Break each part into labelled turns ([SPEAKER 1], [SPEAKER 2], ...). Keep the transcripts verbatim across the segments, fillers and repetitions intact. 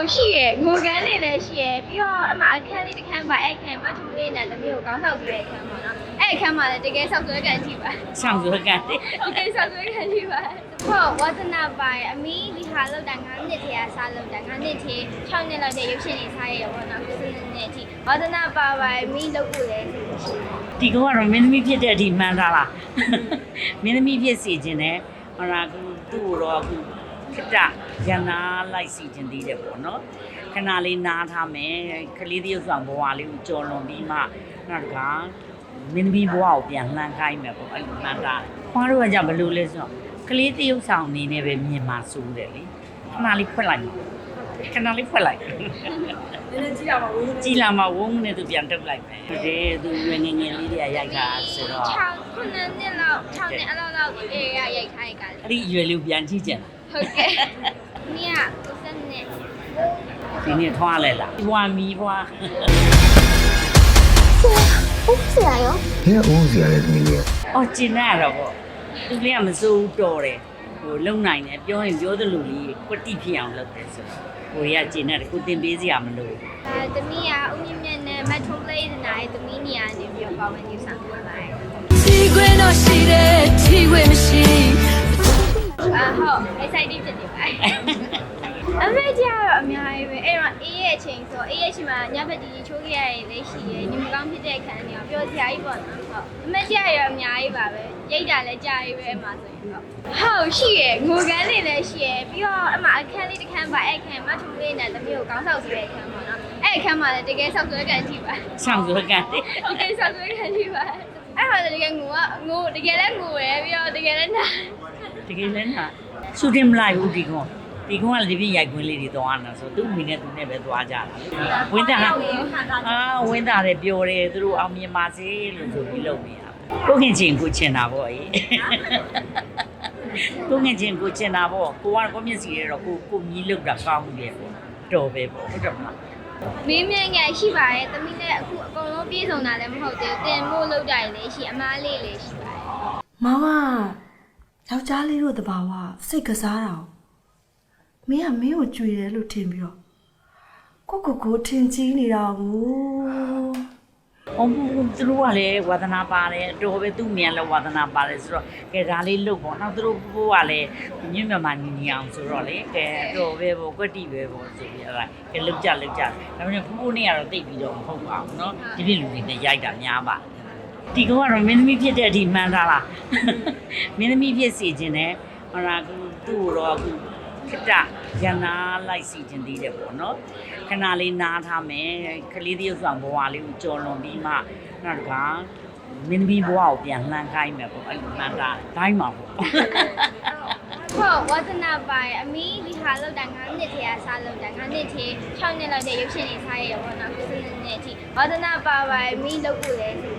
[SPEAKER 1] ရှိရငိုကန်းနေလည်းရှိရပြီးတော့အမအခန်းလေးတစ်ခန်းပါအဲ့အခန်းမထူလေးနဲ့တမီးကိုကောင်းဆောက်ပြီးတဲ့အခန်းပေါ့နော်အဲ့အခန်းမှာလည်းတကယ်ဆောက်ဆွဲကန်ကြည့်ပါ
[SPEAKER 2] ဆောင်ရွက်ကန်တယ်
[SPEAKER 1] တကယ်ဆောက်ဆွဲကန်ကြည့်ပါဟုတ်ဝါသနာပိုင်အမီဒီဟာလောက်တာငါးနှစ်ထဲကစားလောက်တာငါးနှစ်ထဲ၆နှစ်လောက်တဲ့ရုပ်ရှင်တွေစားရရပေါ့နော်ကိုစနေနေ့အထိဝါသနာပါပိုင်အမီလောက်ကိုလည်းရှိတယ်
[SPEAKER 2] ဒီကောင်ကတော့မင်းသမီးဖြစ်တဲ့အထိမှန်းသားလားမင်းသမီးဖြစ်စီခြင်းနဲ့ဟောလာကူသူ့တော့အခုခတရနာလိုက်စီခြင်းသေးတယ်ပေါ့နော်ခဏလေးနားထားမယ်ကလေးတယောက်ဆောင်ဘဝလေးကိုကြော်လွန်ပြီးမှနောက်တကမင်းသမီးဘဝကိုပြန်လှမ်းခိုင်းမယ်ပေါ့အဲ့လိုမှန်းသားခွားတို့ကကြဘလို့လဲဆိုတော့ကလေးတယောက်ဆောင်အနေနဲ့ပဲမြင်မှာစိုးတယ်လေခဏလေးဖွက်လိုက်ခဏလေးဖွက်လိုက်
[SPEAKER 3] နည်းနည်းကြည့်ရမှာဝုန်း
[SPEAKER 2] ကြည်လာမှာဝုန်းနဲ့သူပြန်တုတ်လိုက်မယ်။ဒီသူငယ်ငယ်ငယ်လေးတွေကရိုက်တာဆိုတော့
[SPEAKER 1] ၆ခုနှစ်လောက်၆နှစ်အလောက်လောက်အေးရရိုက်ခိုင်းကြတယ်
[SPEAKER 2] အဲ့ဒီအရွယ်လေးပြန်ကြည့်ကြတယ်
[SPEAKER 1] ဟုတ်ကဲ့မင်းကကိုစနေ
[SPEAKER 2] ။ဒီနေ့ထွားလဲလား။ဘွာမီဘွာ
[SPEAKER 1] ဟုတ်ဆရာရော
[SPEAKER 4] ဘယ်အိုးစီရလဲသမီးလေး
[SPEAKER 2] ။အော်ကျင်ရတော့ပေါ့။သူလေးကမစိုးဘူးတော်တယ်။ဟိုလုံနိုင်တယ်ပြောရင်ပြောသလိုလေးကွတိဖြစ်အောင်လုပ်တယ်ဆိုတော့ဟိုရကျင်ရတယ်ကိုတင်ပေးစရာမလိုဘူး
[SPEAKER 1] အဲတမီးကဦးမြင့်မြတ်နဲ့မထုံးလေးနိုင်တမီးနေရာနေပြီးတော့ပါဝင်နေဆောင်ပေးပါတယ်
[SPEAKER 3] ချီခွင်းတော့ရှိတယ်ချီခွင်းမရှိ
[SPEAKER 1] အာဟုတ် excited ဖြစ်နေပါတယ်အမေကြီးကတော့အများကြီးပဲအဲ့တော့အေးရဲ့အချိန်ဆိုအေးရဲ့ချိန်မှာညဘက်ကြီးချိုးခဲ့ရရင်လည်းရှိရယ်ညီမကောင်းဖြစ်တဲ့ခံနေအောင်ပြောစရာကြီးပေါ့နော်ဟုတ်အမေကြီးကတော့အများကြီးပါပဲရိတ်တာလည်းကြာကြီးပဲအမှဆိုရင်ဟုတ်ဟုတ်ရှိရယ်ငိုကန်းနေလည်းရှိရယ်ပြီးတော့အမအခန်းလေးတစ်ခန်းပါအဲ့အခန်းမထူလေးနဲ့တမီးကိုကောင်းဆောက်ပြီးတဲ့အခန်းပေါ့နော်အဲ့အခန်းမှာလည်းတကယ်ဆောက်ဆွဲကန်ကြည့်ပါ
[SPEAKER 2] ။ဆောင်ရွက်ကန်တယ်
[SPEAKER 1] တကယ်ဆောက်ဆွဲခံကြည့်ပါအဲ့ဟာတကယ်ငိုကငိုတကယ်လည်းငိုရယ်ပြီးတော့တကယ်လည်းနာ
[SPEAKER 2] ။တကယ်လည်းနာရှူတင်မလိုက်ဘူးဒီကောင်။ဒီကောင်ကလည်းဒီပြရိုက်ခွင်းလေးတွေသွားနေတာဆိုသူ့မိနဲ့သူနဲ့ပဲသွားကြတာ။ဝင်းတာအာဝင်းတာလည်းပြောတယ်သူတို့အောင်မြင်ပါစေလို့ဆိုပြီးလုပ်နေတာ။ကိုခင်ချင်းကိုချင်တာပေါ့အေး။ကိုခင်ချင်းကိုချင်တာပေါ့ကိုကကိုမျက်စီရဲတော့ကိုကိုမြည်လောက်တာကောင်းတယ်ပေါ့တော်ပဲပေါ့ဟုတ်တယ်မလား
[SPEAKER 1] မင်းမြန်ငယ်ရှိပါရဲ့တမီးလည်းအခုအကုန်လုံးပြေဆုံးတာလည်းမဟုတ်သေးဘူးတင်မို့လောက်ကြရင်လည်းရှိအမားလေးလည်းရှိပါရဲ့
[SPEAKER 3] မောင်ကယောက်ျားလေးတို့တဘာဝစိတ်ကစားတာမင်းကမင်းကိုကြွေတယ်လို့ထင်ပြီးတော့ကိုကိုကိုထင်ကြီးနေတာကို
[SPEAKER 2] ။အော်ဘူးသူတို့ကလည်းဝါသနာပါတယ်တော်ပဲသူ့မြန်လည်းဝါသနာပါတယ်ဆိုတော့ကဲဒါလေးလုပ်ပေါ့နောက်သူတို့ဘိုးကလည်းမြင့်မြတ်မှညီညီအောင်ဆိုတော့လေကဲတော်ပဲပေါ့ကွက်တီပဲပေါ့ဆိုပြီးအဲ့ဒါကဲလုပ်ကြလုပ်ကြဒါပေမဲ့ဘိုးနဲ့ကတော့တိတ်ပြီးတော့မဟုတ်ပါဘူးเนาะဒီပြလူတွေနဲ့ရိုက်တာများပါဒီကောင်ကတော့မင်းသမီးဖြစ်တဲ့အထိမှန်းသားလားမင်းသမီးဖြစ်စီခြင်းနဲ့ဟောလာကူသူ့တော့အခုခတရနာလိုက်စီခြင်းသေးတယ်ပေါ့เนาะခဏလေးနားထားမယ်ကလေးတယောက်ဆောင်ဘဝလေးကိုကြော်လွန်ပြီးမှနောက်တကမင်းသမီးဘဝကိုပြန်လှမ်းခိုင်းမယ်ပေါ့အဲ့လိုမှန်းသားဒိုင်းမှာပေါ့
[SPEAKER 1] ဟုတ်ဝါသနာပိုင်အမီဒီဟာလောက်တာငါးနှစ်ထဲကစားလောက်တာငါးနှစ်ထဲ၆နှစ်လောက်တဲ့ရုပ်ရှင်တွေစားရရပေါ့နော်ကိုစနေနေ့အထိဝါသနာပါပိုင်အမီလောက်ကိုလည်းရှိတယ်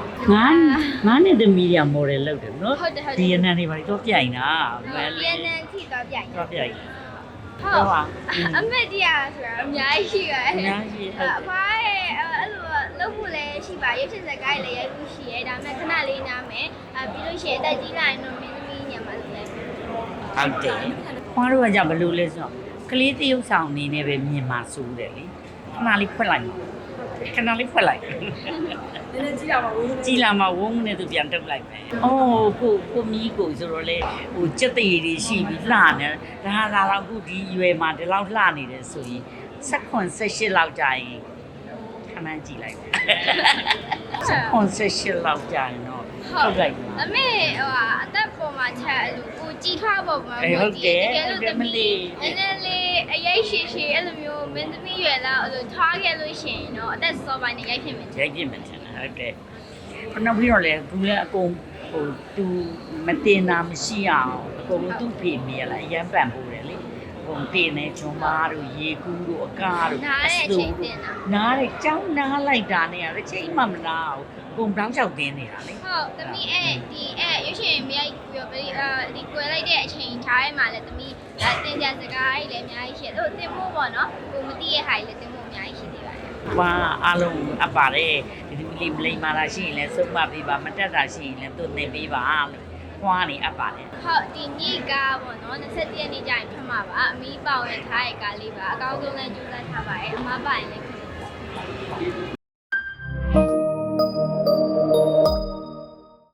[SPEAKER 2] ငါငါနဲ့သမီးတွေကမော်ဒယ်လုပ်တယ်နော်
[SPEAKER 1] ဟုတ်တယ်ဟုတ်တယ်
[SPEAKER 2] ဒီရနန်တွေဘာလို့ပြိုင်တာ
[SPEAKER 1] ဗီယက်နမ်ထိတော့ပြိုင်
[SPEAKER 2] တော့ပြိုင်
[SPEAKER 1] ဟုတ်အမေတရားဆိုတာအများကြီးရှိပါတယ်
[SPEAKER 2] အများကြီးဟုတ်
[SPEAKER 1] အဖွားရဲ့အဲ့လိုလုပ်ဖို့လည်းရှိပါရုပ်ရှင်ဇာတ်ကားလည်းရိုက်ဖို့ရှိရဲဒါပေမဲ့ခဏလေးနားမယ်အဲပြီးလို့ရှိရင်တက်ကြီးလာရင်တော့မင်းသမီးညမှာလည်း
[SPEAKER 2] ဟုတ်တယ်ခွားတို့ကကြဘလို့လဲဆိုတော့ကလေးတယောက်ဆောင်အနေနဲ့ပဲမြင်မှာစိုးတယ်လေခဏလေးဖွက်လိုက်ခဏလေးဖွက်လိုက်
[SPEAKER 3] နည်းနည်းကြည့်ရမှာဝုန်း
[SPEAKER 2] ကြည်လာမှာဝုန်းနဲ့သူပြန်တုတ်လိုက်မယ်။အော်ကိုကိုမီးကိုဆိုတော့လေဟိုစက်သေးတွေရှိပြီးလှနေဒါဟာလာတော့အခုဒီရွယ်မှာဒီလောက်လှနေတယ်ဆိုရင်၁၇ ၁၈လောက်ကြာရင်ခဏကြည့်လိုက်မယ်။၁၇ ၁၈လောက်ကြာရင်တော့ထုတ်လိုက်ပါ
[SPEAKER 1] အမေဟိုအသက်ပေါ်မှာချက်အဲ့လိုကိုကြည်ထွားပေါ်မှာ
[SPEAKER 2] အေးဟုတ်တယ်
[SPEAKER 1] တကယ်လို့သမီးနည်းနည်းလေးအရေးရှိရှိအဲ့လိုမျိုးမင်းသမီးရွယ်လာအဲ့လိုထွားခဲ့လို့ရှိရင်တော့အသက်စောပိုင်းနဲ့ရိုက်ဖြစ်မယ်
[SPEAKER 2] ရိုက်ပြမယ်ထင်တယ်ဟုတ်တယ်ခဏပြီးတော့လေဘူးလည်းအကုန်ဟိုသူမတင်တာမရှိအောင်အကုန်သူ့ဖေမိရလားအရန်ပန်ပိုးတယ်လေအကုန်တင်နေဂျွန်မားတို့ရေကူးတို့အကားတို့
[SPEAKER 1] နားတဲ့အချိန်တင်တာ
[SPEAKER 2] နားတယ်ကြောင်းနားလိုက်တာနဲ့တစ်ချိန်မှမနာဘူးအကုန်တောင်းလျှောက်တင်းနေတာလေ
[SPEAKER 1] ဟုတ်သမီးအဲ့ဒီအဲ့ရွှေရှင်မြိုက်ပြီးတော့ဒီကွယ်လိုက်တဲ့အချိန်ထားရဲမှာလည်းသမီးအတင်ကြစကားကြီးလည်းအများကြီးရှိတယ်ဟိုတင်ဖို့ပေါ့နော်ကိုမသိရဲ့ဟာကြီးလည်းတင်ဖို့အများကြီးရှိသေးပါတယ်
[SPEAKER 2] ။ဘာအားလုံးအပ်ပါတယ်ဒီဒီလေးမလိမ္မာတာရှိရင်လည်းစုံမပေးပါမတက်တာရှိရင်လည်းသူ့နေပေးပါလို့ခွာနေအပ်ပါတယ်
[SPEAKER 1] ဟုတ်ဒီနေ့ကပေါ့နော်၂၁ရက်နေ့ကျရင်ထွက်မှာပါအမီးပေါဝင်ထားတဲ့ကားလေးပါအကောင်းဆုံးလည်းကြိုးစားထားပါတယ်အမပါရင်လည်းခ